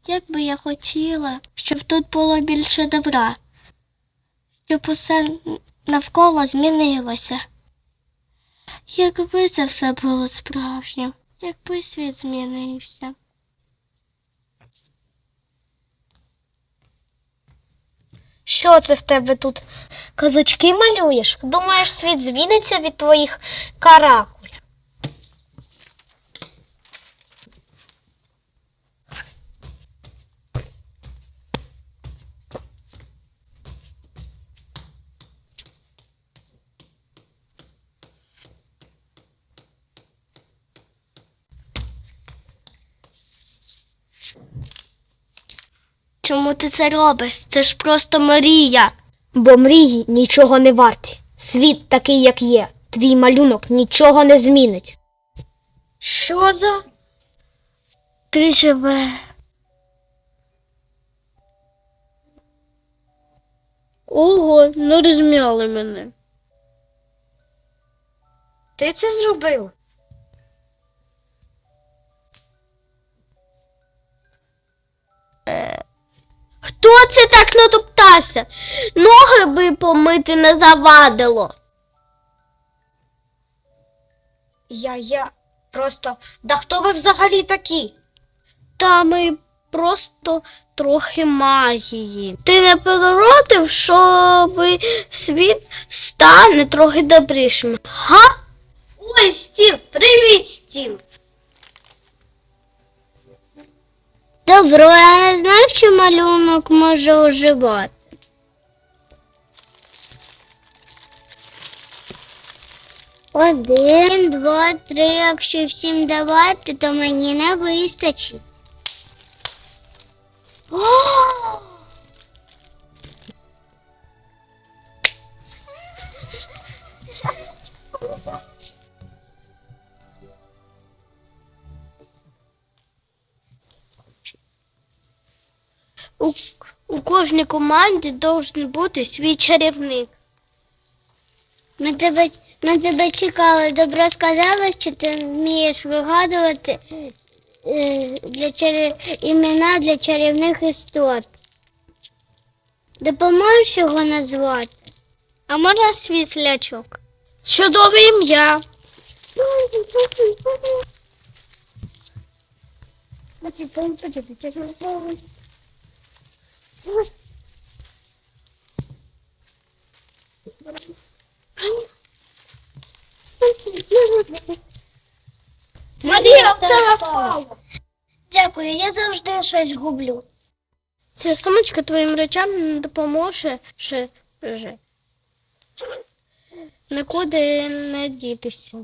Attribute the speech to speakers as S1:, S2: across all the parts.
S1: Як би я хотіла, щоб тут було більше добра, щоб усе навколо змінилося. Якби це все було справжнім, якби світ змінився.
S2: Що це в тебе тут? Казочки малюєш? Думаєш, світ зміниться від твоїх каракуль?
S1: Чому ти це робиш? Це ж просто мрія.
S2: Бо мрії нічого не варті. Світ такий, як є. Твій малюнок нічого не змінить.
S1: Що за? Ти живе. Ого, ну розм'яли мене.
S2: Ти це зробив?
S1: Хто це так натоптався? Ноги би помити не завадило.
S2: Я просто... Да хто ви взагалі такі?
S1: Та ми просто трохи магії. Ти не проти, щоб світ стане трохи добрішим? Га? Ой, стіл, привіт, стіл. Добро, я не знаю, що малюнок може оживати. Один, два, три, якщо всім давати, то мені не вистачить. У кожній команді должен бути свій чарівник. Ми тебе чекали. Добро сказала, що ти вмієш вигадувати імена для чарівних істот. Допоможеш його назвати? А можна світлячок? Чудове ім'я. Марія, телефон! Дякую, я завжди щось гублю. Ця сумочка твоїм речам не допоможе вже. Нікуди не дітися.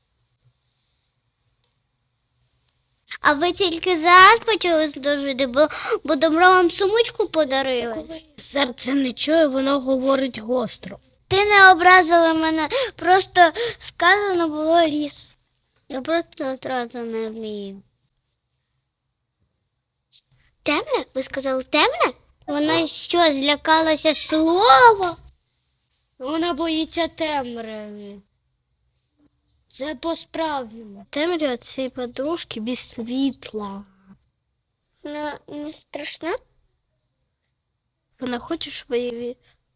S1: А ви тільки зараз почали служити, бо добро вам сумочку подарили? Серце не чує, воно говорить гостро. Ти не образила мене, просто сказано було ліс. Я просто одразу не вмію. Темне? Ви сказали темне? Вона що, злякалася слова? Вона боїться темряви. Це по-справжньому. Темрява цієї подружки без світла. Вона не страшна? Вона хоче, щоб її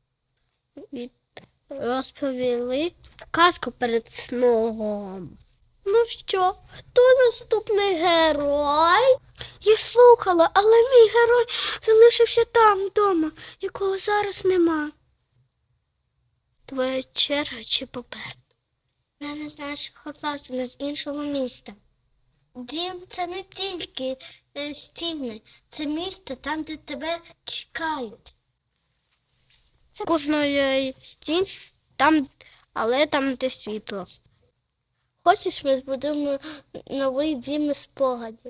S1: розповіли казку перед сном. Ну що, хто наступний герой? Я слухала, але мій герой залишився там, вдома, якого зараз нема. Твоя черга чи попереду? Я не з нашого класу, не з іншого міста. Дім – це не тільки стіни, це місто там, де тебе чекають. Це кожної стін, але там, де світло. Хочеш, ми збудуємо новий дім із спогадів?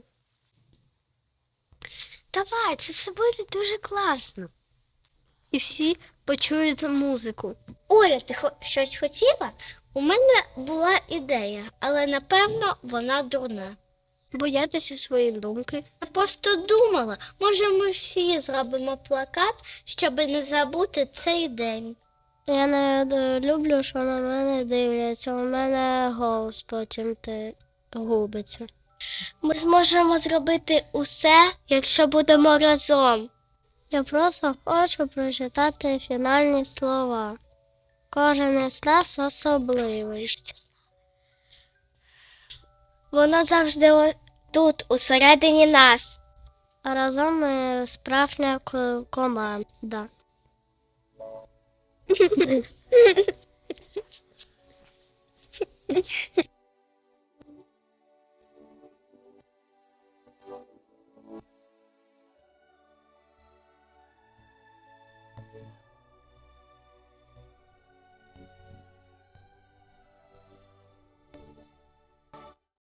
S1: Давай, це все буде дуже класно. І всі почують музику. Оля, ти щось хотіла? У мене була ідея, але, напевно, вона дурна. Боятися свої думки. Я просто думала, може ми всі зробимо плакат, щоб не забути цей день. Я не люблю, що на мене дивляться, у мене голос потім губиться. Ми зможемо зробити усе, якщо будемо разом. Я просто хочу прочитати фінальні слова. Кожен із нас особливий. Воно завжди тут, усередині нас. А разом ми справжня команда.